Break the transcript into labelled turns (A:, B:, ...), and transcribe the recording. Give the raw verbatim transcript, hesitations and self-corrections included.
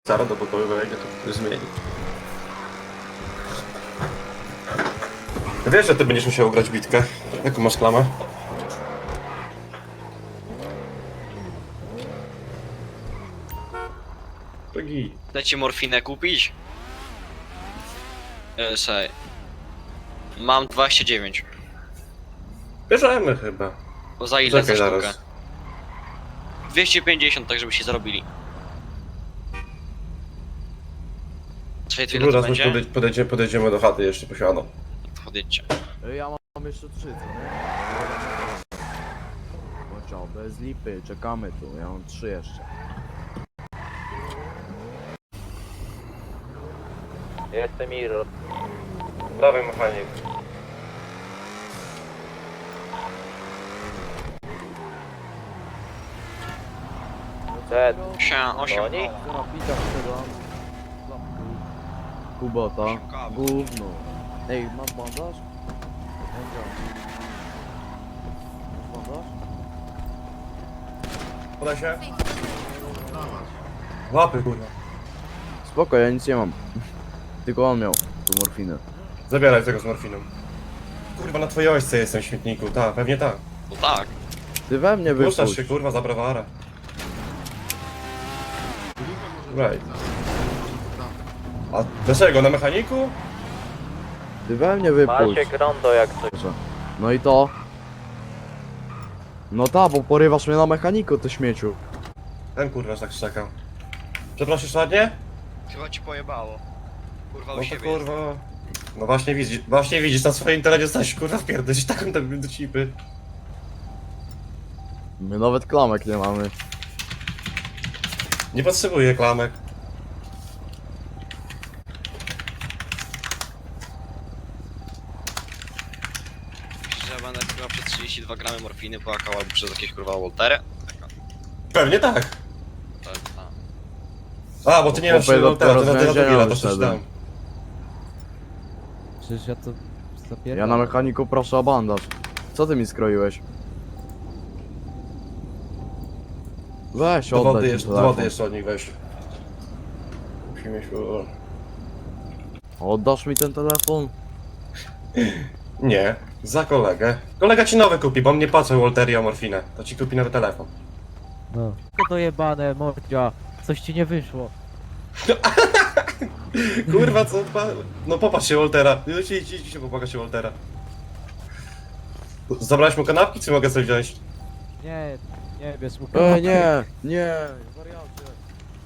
A: Zaraz do pokoju wejdzie, to zmieni. Wiesz, że ty będziesz musiał grać bitkę. Jaką masz klamę? Drogi.
B: Chcę ci morfinę kupić? Yy, sobie. Mam dwadzieścia dziewięć.
A: Bierzemy chyba.
B: Bo za ile za
A: Czekaj
B: sztukę?
A: zaraz.
B: dwieście pięćdziesiąt, tak żebyście zarobili. Czekaj, to ile to
A: Zaraz
B: będzie?
A: podejdzie, podejdzie, podejdziemy do chaty jeszcze posiadą.
B: Podjedźcie.
C: Ja mam jeszcze trzy, co nie? No co, bez lipy, czekamy tu, ja mam trzy jeszcze.
D: Jestem Iro.
A: Dawaj mechanik.
D: Przed.
B: Siema, osiem.
D: Oni?
C: Co na pitach sprzedam? Kubota. Gówno. Ej, masz bandaż? Chęcia. Masz bandaż?
A: Podaj się. Łapy, kurwa.
C: Spoko, ja nic nie mam. Tylko on miał tu morfinę.
A: Zabieraj tego z morfiną. Kurwa, na twojej ośce jestem w śmietniku, tak, pewnie tak.
B: No tak.
C: Ty we mnie
A: Puszczasz
C: wypuść.
A: się, kurwa, za brawara. Right. A dlaczego? Na mechaniku?
C: Ty we mnie wypuść.
D: Macie rondo jak coś.
C: No i to? No ta, bo porywasz mnie na mechaniku, ty śmieciu.
A: Ten kurwa tak szczekał. Przeprosisz ładnie?
B: Chyba ci pojebało. Kurwa
A: No
B: u
A: to
B: siebie.
A: kurwa. No właśnie widzisz, właśnie widzisz, na swoim terenie stać kurwa wpierdolić taką tam do cipy.
C: My nawet klamek nie mamy.
A: Nie potrzebuję klamek.
B: Myślisz, że będę chyba przez trzydzieści dwa gramy morfiny płakał albo przez jakieś kurwa Woltery?
A: Pewnie tak.
B: To jest ta.
A: A, bo ty nie masz
C: Chłopie,
A: no,
C: dopiero
A: teraz, ty na
C: z
A: tego
C: więzienia
A: to coś
C: wyszedłem.
A: tam.
E: Przecież ja to zapierdalam.
C: Ja na mechaniku proszę o bandaż. Co ty mi skroiłeś? Weź,
A: Do
C: oddaj
A: wody,
C: ten
A: jeszcze, do
C: telefon.
A: wody jeszcze od nich weź. Musimy się...
C: Oddasz mi ten telefon?
A: Nie, za kolegę. Kolega ci nowy kupi, bo mnie płacą Walteria o morfinę. To ci kupi nowy telefon.
E: No. To dojebane, mordzia. Coś ci nie wyszło.
A: Kurwa, co? pa- No popatrz się Waltera. Idź, idź, idź się popłakać się Waltera. Zabrałeś mu kanapki, czy mogę sobie wziąć?
E: Nie, nie, bierz mu
C: E, nie, nie.